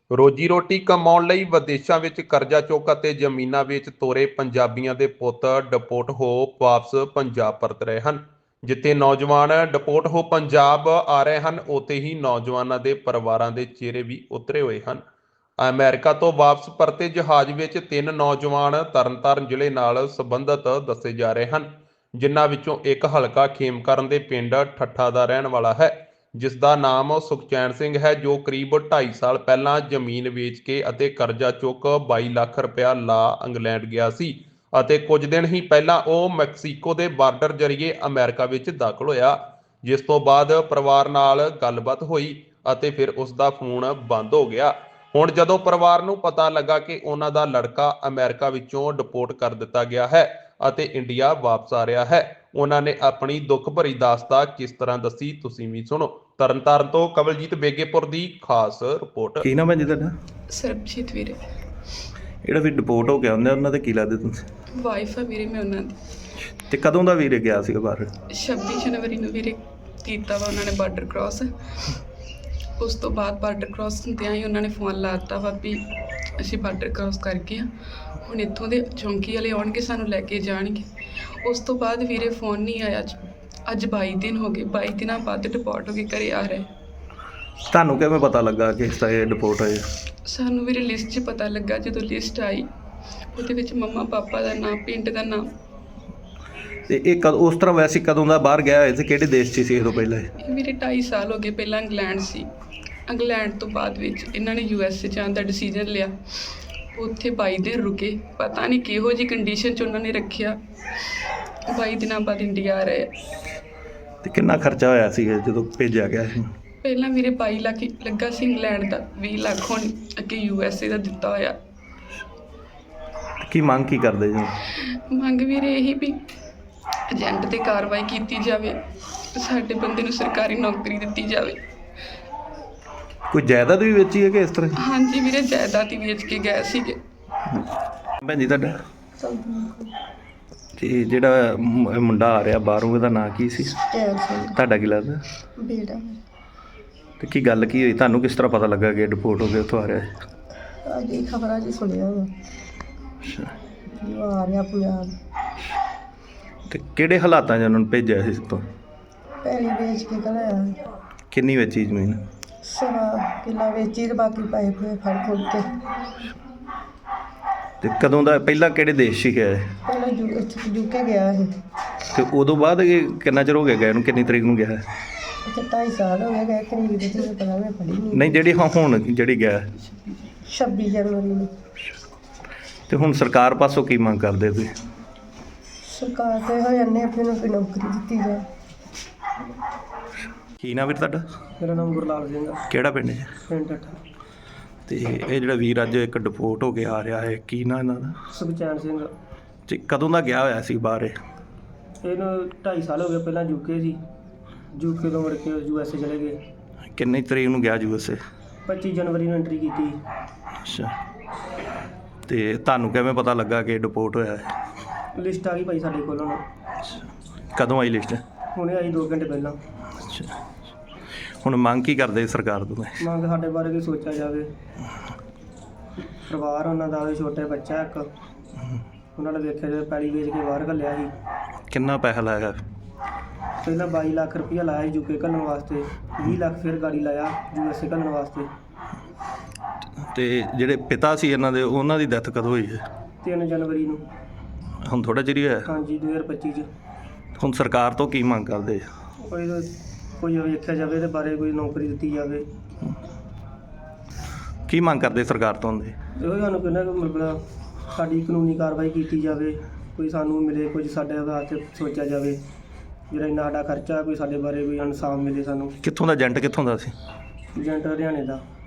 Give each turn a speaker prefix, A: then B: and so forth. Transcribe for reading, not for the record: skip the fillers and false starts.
A: ਰੋਜੀ ਰੋਟੀ ਕਮਾਉਣ ਲਈ ਵਿਦੇਸ਼ਾਂ ਵਿੱਚ ਕਰਜ਼ਾ ਚੁੱਕ ਅਤੇ ਜ਼ਮੀਨਾਂ ਵੇਚ ਤੋਰੇ ਪੰਜਾਬੀਆਂ ਦੇ ਪੁੱਤ ਡਿਪੋਰਟ ਹੋ ਵਾਪਸ ਪੰਜਾਬ ਪਰਤ ਰਹੇ ਹਨ। ਜਿੱਥੇ ਨੌਜਵਾਨ ਡਿਪੋਰਟ ਹੋ ਪੰਜਾਬ ਆ ਰਹੇ ਹਨ, ਉੱਥੇ ਹੀ ਨੌਜਵਾਨਾਂ ਦੇ ਪਰਿਵਾਰਾਂ ਦੇ ਚਿਹਰੇ ਵੀ ਉਤਰੇ ਹੋਏ ਹਨ। ਅਮਰੀਕਾ ਤੋਂ ਵਾਪਸ ਪਰਤੇ ਜਹਾਜ਼ ਵਿੱਚ 3 ਨੌਜਵਾਨ ਤਰਨਤਾਰਨ ਜ਼ਿਲ੍ਹੇ ਨਾਲ ਸੰਬੰਧਿਤ ਦੱਸੇ ਜਾ ਰਹੇ ਹਨ, ਜਿਨ੍ਹਾਂ ਵਿੱਚੋਂ ਇੱਕ ਹਲਕਾ ਖੇਮਕਰਨ ਦੇ ਪਿੰਡ ਠੱਠਾ ਦਾ ਰਹਿਣ ਵਾਲਾ ਹੈ, ਜਿਸ ਦਾ ਨਾਮ ਸੁਖਚੈਨ ਸਿੰਘ ਹੈ, ਜੋ ਕਰੀਬ 2.5 ਸਾਲ ਪਹਿਲਾਂ ਜ਼ਮੀਨ ਵੇਚ ਕੇ ਅਤੇ ਕਰਜ਼ਾ ਚੁੱਕ 22 ਲੱਖ ਰੁਪਇਆ ਲਾ ਇੰਗਲੈਂਡ ਗਿਆ ਸੀ ਅਤੇ ਕੁਝ ਦਿਨ ਹੀ ਪਹਿਲਾਂ ਉਹ ਮੈਕਸੀਕੋ ਦੇ ਬਾਰਡਰ ਜ਼ਰੀਏ ਅਮਰੀਕਾ ਵਿੱਚ ਦਾਖਲ ਹੋਇਆ, ਜਿਸ ਤੋਂ ਬਾਅਦ ਪਰਿਵਾਰ ਨਾਲ ਗੱਲਬਾਤ ਹੋਈ ਅਤੇ ਫਿਰ ਉਸ ਦਾ ਫੋਨ ਬੰਦ ਹੋ ਗਿਆ। ਹੁਣ ਜਦੋਂ ਪਰਿਵਾਰ ਨੂੰ ਪਤਾ ਲੱਗਾ ਕਿ ਉਹਨਾਂ ਦਾ ਲੜਕਾ ਅਮਰੀਕਾ ਵਿੱਚੋਂ ਡਿਪੋਰਟ ਕਰ ਦਿੱਤਾ ਗਿਆ ਹੈ ਅਤੇ ਇੰਡੀਆ ਵਾਪਸ ਆ ਰਿਹਾ ਹੈ, ਉਹਨਾਂ ਨੇ ਆਪਣੀ ਦੁੱਖ ਭਰੀ ਦਾਸਤਾਨ ਕਿਸ ਤਰ੍ਹਾਂ ਦੱਸੀ, ਤੁਸੀਂ ਵੀ ਸੁਣੋ। ਤਰਨਤਾਰਨ ਤੋਂ ਕਵਲਜੀਤ ਬੇਗੇਪੁਰ ਦੀ ਖਾਸ ਰਿਪੋਰਟ।
B: ਕੀ ਨਾਮ ਹੈ ਜੀ ਤੁਹਾਡਾ?
C: ਸਰਬਜੀਤ ਵੀਰੇ।
B: ਜਿਹੜਾ ਵੀ ਡਿਪੋਰਟ ਹੋ ਗਿਆ ਉਹਨਾਂ ਦੇ ਕੀ ਲੱਗਦੇ ਤੁਸੀਂ?
C: ਵਾਈਫ ਆ ਵੀਰੇ ਮੈਂ ਉਹਨਾਂ ਦੀ।
B: ਤੇ ਕਦੋਂ ਦਾ ਵੀਰੇ ਗਿਆ ਸੀਗਾ ਬਾਹਰ?
C: 26 ਜਨਵਰੀ ਨੂੰ ਵੀਰੇ ਕੀਤਾ ਵਾ ਉਹਨਾਂ ਨੇ ਬਾਰਡਰ ਕ੍ਰਾਸ। ਉਸ ਤੋਂ ਬਾਅਦ ਬਾਰਡਰ ਕ੍ਰਾਸ ਹੁੰਦਿਆਂ ਹੀ ਉਹਨਾਂ ਨੇ ਫੋਨ ਲਾ ਦਿੱਤਾ ਵਾ ਵੀ ਅਸੀਂ ਬਾਰਡਰ ਕ੍ਰਾਸ ਕਰ ਗਏ ਹਾਂ, ਹੁਣ ਇੱਥੋਂ ਦੇ ਚੌਂਕੀ ਵਾਲੇ ਆਉਣਗੇ, ਸਾਨੂੰ ਲੈ ਕੇ ਜਾਣਗੇ। ਉਸ ਤੋਂ ਬਾਅਦ ਵੀਰੇ ਫੋਨ ਨਹੀਂ ਆਇਆ। ਅੱਜ 22 ਦਿਨ ਹੋ ਗਏ, 22 ਦਿਨਾਂ ਬਾਅਦ ਡਿਪੋਰਟ ਹੋ ਕੇ ਘਰੇ ਆ ਰਹੇ।
B: ਤੁਹਾਨੂੰ ਕਿਵੇਂ ਪਤਾ ਲੱਗਾ ਕਿ ਇਸ ਤਰ੍ਹਾਂ ਇਹ ਡਿਪੋਰਟ ਹੋਏ?
C: ਸਾਨੂੰ ਵੀਰੇ ਲਿਸਟ 'ਚ ਪਤਾ ਲੱਗਾ, ਜਦੋਂ ਲਿਸਟ ਆਈ ਉਹਦੇ ਵਿੱਚ ਮੰਮਾ ਪਾਪਾ ਦਾ ਨਾਮ, ਪਿੰਡ ਦਾ ਨਾਮ।
B: ਤੇ ਇਹ ਉਸ ਤਰ੍ਹਾਂ ਵੈਸੇ ਕਦੋਂ ਦਾ ਬਾਹਰ ਗਿਆ ਹੋਇਆ ਸੀ, ਕਿਹੜੇ ਦੇਸ਼ 'ਚ ਸੀ ਇਹ ਤੋਂ ਪਹਿਲਾਂ?
C: ਇਹ ਵੀਰੇ 2.5 ਸਾਲ ਹੋ ਗਏ। ਪਹਿਲਾਂ ਇੰਗਲੈਂਡ ਸੀ, ਇੰਗਲੈਂਡ ਤੋਂ ਬਾਅਦ ਵਿੱਚ ਇਹਨਾਂ ਨੇ USA ਜਾਣ ਦਾ ਡਿਸੀਜਨ ਲਿਆ। ਉੱਥੇ 22 ਦਿਨ ਰੁਕੇ, ਪਤਾ ਨਹੀਂ ਕਿਹੋ ਜਿਹੀ ਕੰਡੀਸ਼ਨ 'ਚ ਉਹਨਾਂ ਨੇ ਰੱਖਿਆ। 22 ਦਿਨਾਂ ਬਾਅਦ ਇੰਡੀਆ ਆ ਰਹੇ।
B: ਤੇ ਕਿੰਨਾ ਖਰਚਾ ਹੋਇਆ ਸੀ ਜਦੋਂ ਭੇਜਿਆ ਗਿਆ ਸੀ?
C: ਪਹਿਲਾਂ ਵੀਰੇ 22 ਲੱਖ ਲੱਗਾ ਸੀ ਇੰਗਲੈਂਡ ਦਾ, 20 ਲੱਖ ਹੁਣ ਅੱਗੇ USA ਦਾ ਦਿੱਤਾ ਹੋਇਆ।
B: ਕੀ ਮੰਗ ਕੀ ਕਰਦੇ ਜੀ?
C: ਮੰਗ ਵੀਰੇ ਇਹੀ ਵੀ ਏਜੰਟ 'ਤੇ ਕਾਰਵਾਈ ਕੀਤੀ ਜਾਵੇ, ਸਾਡੇ ਬੰਦੇ ਨੂੰ ਸਰਕਾਰੀ ਨੌਕਰੀ ਦਿੱਤੀ ਜਾਵੇ।
B: ਕੋਈ ਜਾਇਦਾਦ ਵੀ ਵੇਚੀ ਹੈ ਕਿ ਇਸ ਤਰ੍ਹਾਂ?
C: ਹਾਂਜੀ ਵੀਰੇ, ਜਾਇਦਾਦ ਹੀ ਵੇਚ ਕੇ ਗਏ ਸੀਗੇ।
B: ਭੈਣ ਜੀ ਤੁਹਾਡਾ? ਤੇ ਜਿਹੜਾ ਮੁੰਡਾ ਆ ਰਿਹਾ ਬਾਹਰੋਂ, ਉਹਦਾ ਨਾਂ ਕੀ ਸੀ? ਤੁਹਾਡਾ ਕੀ ਲੱਗਦਾ?
D: ਬੇਟਾ।
B: ਤੇ ਕੀ ਗੱਲ ਕੀ ਹੋਈ, ਤੁਹਾਨੂੰ ਕਿਸ ਤਰ੍ਹਾਂ ਪਤਾ ਲੱਗਾ ਕਿ ਡਿਪੋਰਟ ਹੋ ਕੇ ਉੱਥੋਂ ਆ ਰਿਹਾ ਹੈ?
D: ਅੱਜ ਖਬਰਾਂ 'ਚ ਸੁਣਿਆ ਵਾ ਆ ਰਿਹਾ ਪੰਜਾਬ।
B: ਤੇ ਕਿਹੜੇ ਹਾਲਾਤਾਂ 'ਚ ਉਹਨਾਂ ਨੂੰ ਭੇਜਿਆ ਸੀ ਤੋਂ?
D: ਪੈਲੀ ਵੇਚ ਕੇ ਘਲਾਇਆ।
B: ਕਿੰਨੀ ਵੇਚੀ ਜ਼ਮੀਨ?
D: ਸਵਾ ਕਿੱਲਾ ਵੇਚੀ ਤੇ ਬਾਕੀ ਪੈਸੇ ਪੂਏ ਫੜ ਫੁੜ ਕੇ।
B: ਤੇ ਕਦੋਂ ਦਾ, ਪਹਿਲਾਂ ਕਿਹੜੇ ਦੇਸ਼ 'ਚ ਗਿਆ?
D: ਪਹਿਲਾਂ UK ਗਿਆ ਇਹ।
B: ਤੇ ਉਦੋਂ ਬਾਅਦ ਇਹ ਕਿੰਨਾ ਚਿਰ ਹੋ ਗਿਆ ਗਏ ਨੂੰ? ਕਿੰਨੀ ਤਰੀਕ ਨੂੰ ਗਿਆ?
D: ਇੱਥੇ 2.5 ਸਾਲ ਹੋ ਗਏ ਕਰੀਬ ਦੇ, ਤੇ ਪਤਾ ਮੈਂ ਪੜ੍ਹੀ
B: ਨਹੀਂ, ਜਿਹੜੀ ਹੁਣ ਜਿਹੜੀ ਗਿਆ
D: 26 ਜਨਵਰੀ ਨੂੰ।
B: ਤੇ ਹੁਣ ਸਰਕਾਰ ਪਾਸੋਂ ਕੀ ਮੰਗ ਕਰਦੇ ਤੁਸੀਂ?
D: ਸਰਕਾਰ ਤੇ ਹੋ ਜਾਂਦੇ ਆਪਣੇ ਨੂੰ ਕੋਈ ਨੌਕਰੀ ਦਿੱਤੀ ਜਾਏ।
B: ਕੀ ਨਾਮ ਵੀਰ ਤੁਹਾਡਾ?
D: ਮੇਰਾ ਨਾਮ ਗੁਰਲਾਲ ਸਿੰਘ ਆ,
B: ਕਿਹੜਾ ਪਿੰਡ ਹੈ?
D: ਪਿੰਡ ਠੱਠਾ।
B: ਤੇ ਇਹ ਜਿਹੜਾ ਵੀਰ ਅੱਜ ਇੱਕ ਡਿਪੋਰਟ ਹੋ ਕੇ ਆ ਰਿਹਾ ਹੈ, ਕੀ ਨਾਂ ਇਹਨਾਂ ਦਾ?
D: ਸੁਖਚੈਨ ਸਿੰਘ।
B: ਤੇ ਕਦੋਂ ਦਾ ਗਿਆ ਹੋਇਆ ਸੀ ਬਾਹਰ ਇਹ?
D: ਇਹਨੂੰ 2.5 ਸਾਲ ਹੋ ਗਏ। ਪਹਿਲਾਂ UK ਸੀ, UK ਤੋਂ ਮੁੜ ਕੇ USA ਚਲੇ ਗਏ।
B: ਕਿੰਨੀ ਤਰੀਕ ਨੂੰ ਗਿਆ USA?
D: 25 ਜਨਵਰੀ ਨੂੰ ਐਂਟਰੀ ਕੀਤੀ।
B: ਅੱਛਾ। ਤੇ ਤੁਹਾਨੂੰ ਕਿਵੇਂ ਪਤਾ ਲੱਗਾ ਕਿ ਡਿਪੋਰਟ ਹੋਇਆ ਹੈ?
D: ਲਿਸਟ ਆ ਗਈ ਭਾਈ ਸਾਡੇ ਕੋਲ ਹੁਣ।
B: ਕਦੋਂ ਆਈ ਲਿਸਟ?
D: ਹੁਣੇ ਆਈ 2 ਘੰਟੇ ਪਹਿਲਾਂ।
B: ਅੱਛਾ। ਹੁਣ ਮੰਗ ਕੀ ਕਰਦੇ ਸਰਕਾਰ ਤੋਂ?
D: ਮੰਗ ਸਾਡੇ ਬਾਰੇ ਕੋਈ ਸੋਚਿਆ ਜਾਵੇ। ਪਰਿਵਾਰ ਉਹਨਾਂ ਦਾ, ਛੋਟੇ ਬੱਚਾ ਇੱਕ, ਉਹਨਾਂ ਨੇ ਵੇਖਿਆ ਜਦੋਂ ਪੈਲੀ ਵੇਚ ਕੇ ਬਾਹਰ ਘੱਲਿਆ ਸੀ।
B: ਕਿੰਨਾ ਪੈਸਾ ਲਾਇਆ?
D: ਪਹਿਲਾਂ 22 ਲੱਖ ਰੁਪਈਆ ਲਾਇਆ ਸੀ UK ਘੱਲਣ ਵਾਸਤੇ, 20 ਲੱਖ ਫਿਰ ਗਾੜੀ ਲਾਇਆ USA ਘੱਲਣ ਵਾਸਤੇ।
B: ਤੇ ਜਿਹੜੇ ਪਿਤਾ ਸੀ ਇਹਨਾਂ ਦੇ, ਉਹਨਾਂ ਦੀ ਡੈਥ ਕਦੋਂ ਹੋਈ ਹੈ?
D: 3 ਜਨਵਰੀ ਨੂੰ।
B: ਹੁਣ ਥੋੜ੍ਹਾ ਚਿਰ ਹੀ ਹੋਇਆ?
D: ਹਾਂਜੀ, 2025 'ਚ।
B: ਹੁਣ ਸਰਕਾਰ ਤੋਂ ਕੀ ਮੰਗ ਕਰਦੇ?
D: ਕੋਈ ਵੇਖਿਆ ਜਾਵੇ ਇਹਦੇ ਬਾਰੇ, ਕੋਈ ਨੌਕਰੀ ਦਿੱਤੀ ਜਾਵੇ।
B: ਕੀ ਮੰਗ ਕਰਦੇ ਸਰਕਾਰ ਤੋਂ ਹੁੰਦੇ?
D: ਇਹੋ ਸਾਨੂੰ ਕਹਿੰਦਾ ਕਿ ਮਤਲਬ ਸਾਡੀ ਕਾਨੂੰਨੀ ਕਾਰਵਾਈ ਕੀਤੀ ਜਾਵੇ, ਕੋਈ ਸਾਨੂੰ ਮਿਲੇ, ਕੁਝ ਸਾਡੇ ਵਾਸਤੇ ਸੋਚਿਆ ਜਾਵੇ। ਜਿਹੜਾ ਇੰਨਾ ਸਾਡਾ ਖਰਚਾ, ਕੋਈ ਸਾਡੇ ਬਾਰੇ ਕੋਈ ਇਨਸਾਫ ਮਿਲੇ ਸਾਨੂੰ।
B: ਕਿੱਥੋਂ ਦਾ ਏਜੰਟ? ਕਿੱਥੋਂ ਦਾ ਸੀ?
D: ਏਜੰਟ ਹਰਿਆਣੇ ਦਾ।